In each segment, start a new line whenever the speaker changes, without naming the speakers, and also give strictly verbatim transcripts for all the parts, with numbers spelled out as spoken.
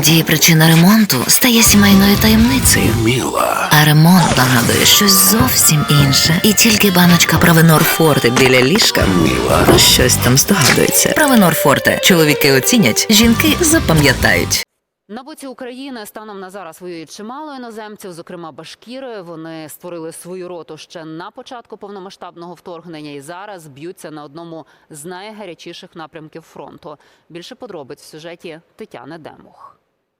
Іноді причина ремонту стає сімейною таємницею.
Міла.
А ремонт нагадує щось зовсім інше. І тільки баночка Провенор Форте біля ліжка
Міла.
про щось там здогадується. Провенор Форте. Чоловіки оцінять, жінки запам'ятають.
На боці України станом на зараз воюють чимало іноземців, зокрема башкіри. Вони створили свою роту ще на початку повномасштабного вторгнення і зараз б'ються на одному з найгарячіших напрямків фронту. Більше подробиць в сюжеті Тетяни Демух.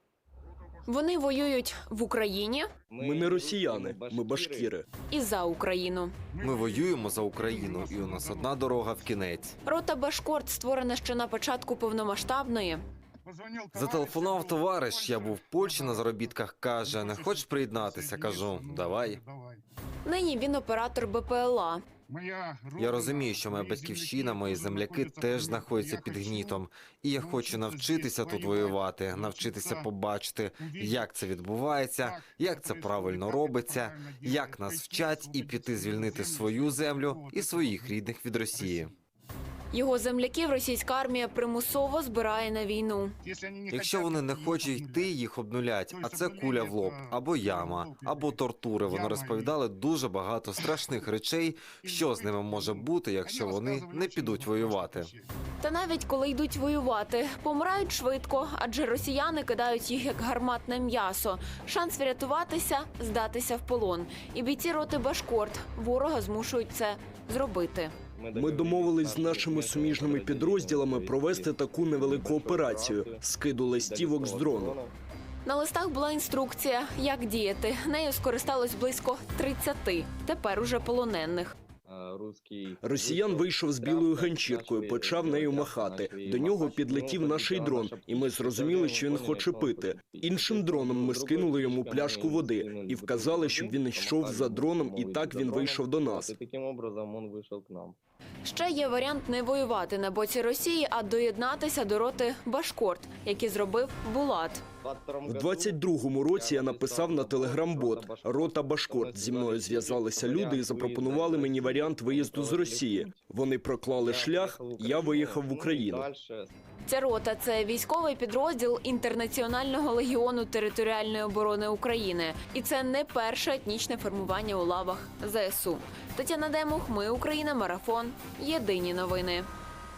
Вони воюють в Україні
Ми не росіяни, ми башкіри.
і за Україну.
Ми воюємо за Україну, і у нас одна дорога в кінець.
Рота Башкорт створена ще на початку повномасштабної.
Зателефонував товариш, я був в Польщі на заробітках, каже, не хочеш приєднатися? Кажу, давай.
Нині він оператор Б П Л А.
Я розумію, що моя батьківщина, мої земляки теж знаходяться під гнітом. І я хочу навчитися тут воювати, навчитися побачити, як це відбувається, як це правильно робиться, як нас вчать і піти звільнити свою землю і своїх рідних від Росії.
Його земляків російська армія примусово збирає на війну.
Якщо вони не хочуть йти, їх обнулять, а це куля в лоб, або яма, або тортури. Вони розповідали дуже багато страшних речей, що з ними може бути, якщо вони не підуть воювати.
Та навіть коли йдуть воювати, помирають швидко, адже росіяни кидають їх як гарматне м'ясо. Шанс врятуватися – здатися в полон. І бійці роти Башкорт ворога змушують це зробити.
Ми домовились з нашими суміжними підрозділами провести таку невелику операцію – скиду листівок з дрону.
На листах була інструкція, як діяти. Нею скористалось близько тридцяти, тепер уже полонених.
Росіян вийшов з білою ганчіркою, почав нею махати. До нього підлетів наш дрон, і ми зрозуміли, що він хоче пити. Іншим дроном ми скинули йому пляшку води і вказали, щоб він йшов за дроном, і так він вийшов до нас.
Ще є варіант не воювати на боці Росії, а доєднатися до роти Башкорт, який зробив Булат.
В двадцять другому році я написав на телеграм-бот «Рота Башкорт». Зі мною зв'язалися люди і запропонували мені варіант виїзду з Росії. Вони проклали шлях, я виїхав в Україну.
Ця рота – це військовий підрозділ Інтернаціонального легіону територіальної оборони України. І це не перше етнічне формування у лавах Зе Ес У. Тетяна Демух, Ми Україна, Марафон. Єдині новини.